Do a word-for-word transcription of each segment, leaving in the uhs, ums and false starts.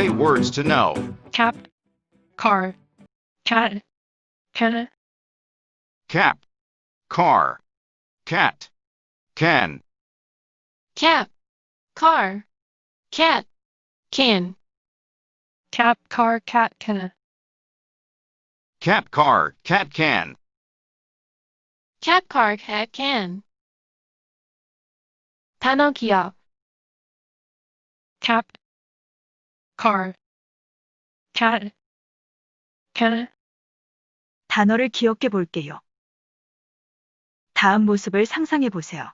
Say words to know. cap, car, cat, can, Cap, car, cat, can. cap, car, cat, can, cap, car, cat, can, Cap, car, cat, can. cap, car, cat, can. 단어 기억, cap, car, cat, can. 단어를 기억해 볼게요. 다음 모습을 상상해 보세요.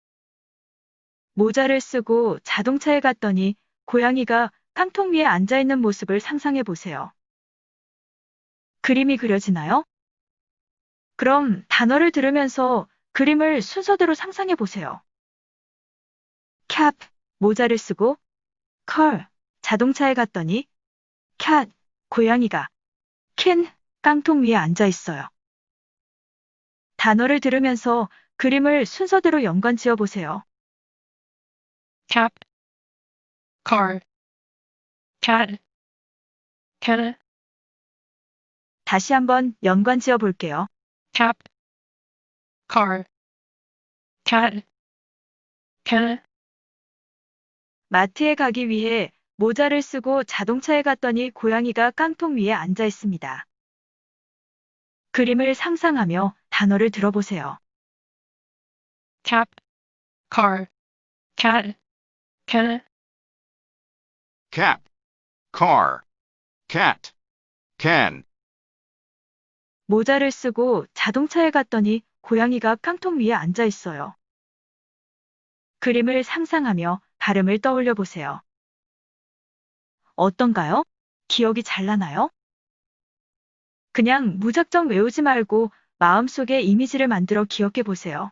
모자를 쓰고 자동차에 갔더니 고양이가 깡통 위에 앉아 있는 모습을 상상해 보세요. 그림이 그려지나요? 그럼 단어를 들으면서 그림을 순서대로 상상해 보세요. cap, 모자를 쓰고, car, 자동차에 갔더니, cat, 고양이가, can, 깡통 위에 앉아 있어요. 단어를 들으면서 그림을 순서대로 연관 지어 보세요. cap, car, cat, can, 다시 한번 연관 지어 볼게요. cap, car, cat, can. 마트에 가기 위해 모자를 쓰고 자동차에 갔더니 고양이가 깡통 위에 앉아 있습니다. 그림을 상상하며 단어를 들어보세요. cap, car, cat, can, Cap, car, cat, can. 모자를 쓰고 자동차에 갔더니 고양이가 깡통 위에 앉아 있어요. 그림을 상상하며 발음을 떠올려 보세요. 어떤가요? 기억이 잘 나나요? 그냥 무작정 외우지 말고 마음속에 이미지를 만들어 기억해 보세요.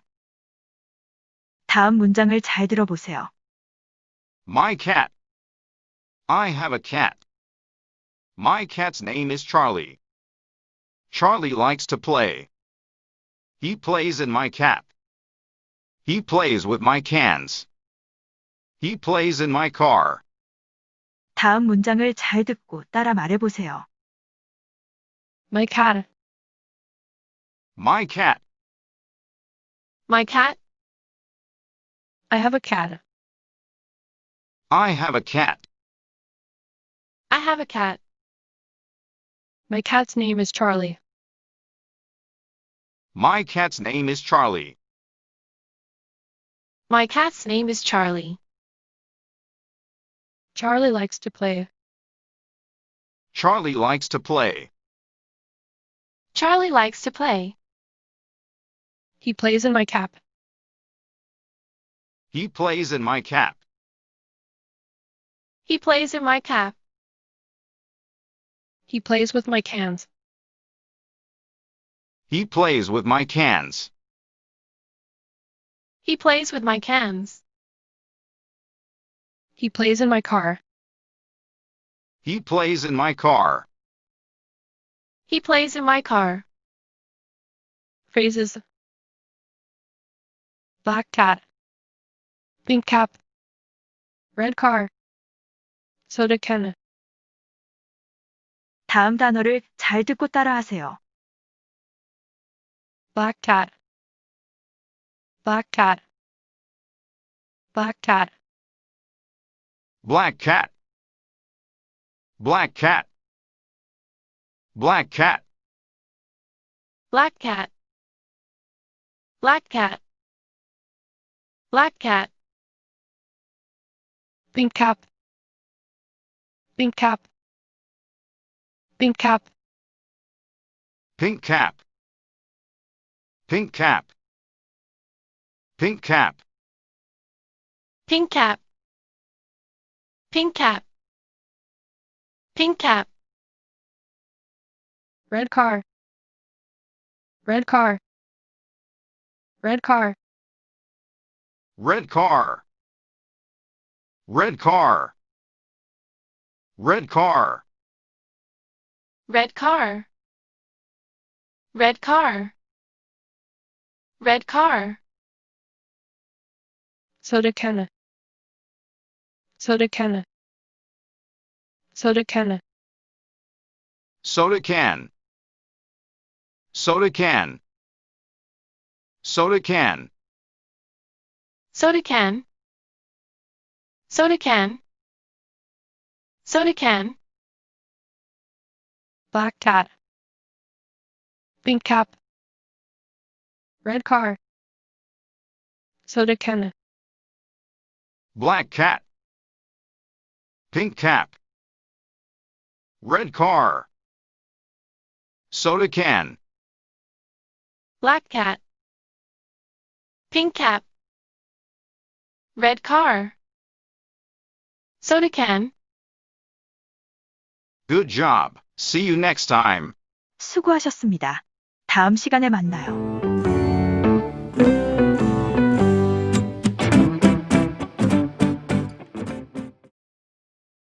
다음 문장을 잘 들어보세요. My cat. I have a cat. My cat's name is Charlie. Charlie likes to play. He plays in my cap. He plays with my cans. He plays in my car. 다음 문장을 잘 듣고 따라 말해보세요. my cat, My cat. my cat, I have a cat, I have a cat. I have a cat. my cat's name is Charlie. My cat's name is Charlie. My cat's name is Charlie. Charlie likes to play. Charlie likes to play. Charlie likes to play. He plays in my cap. He plays in my cap. He plays in my cap. He plays with my cans. He plays with my cans. He plays with my cans. He plays in my car. He plays in my car. He plays in my car. Phrases. Black cat. Pink cap. Red car. soda can. 다음 단어를 잘 듣고 따라하세요. Black cat. Black cat. Black cat. Black cat. Black cat. Black cat. Black cat. Black cat. Black cat. Pink cap. Pink cap. Pink cap. Pink cap. Pink cap. Pink cap. Pink cap. Pink cap. Pink cap. Red car. Red car. Red car. Red car. Red car. Red car. Red car. Red car. Red car. soda can. soda can. soda can, soda can, soda can, soda can, soda can, soda can, soda can, black cat, pink cap, red car, soda can, black cat, pink cap, red car, soda can, black cat, pink cap, red car, soda can. Good job. See you next time. 수고하셨습니다. 다음 시간에 만나요.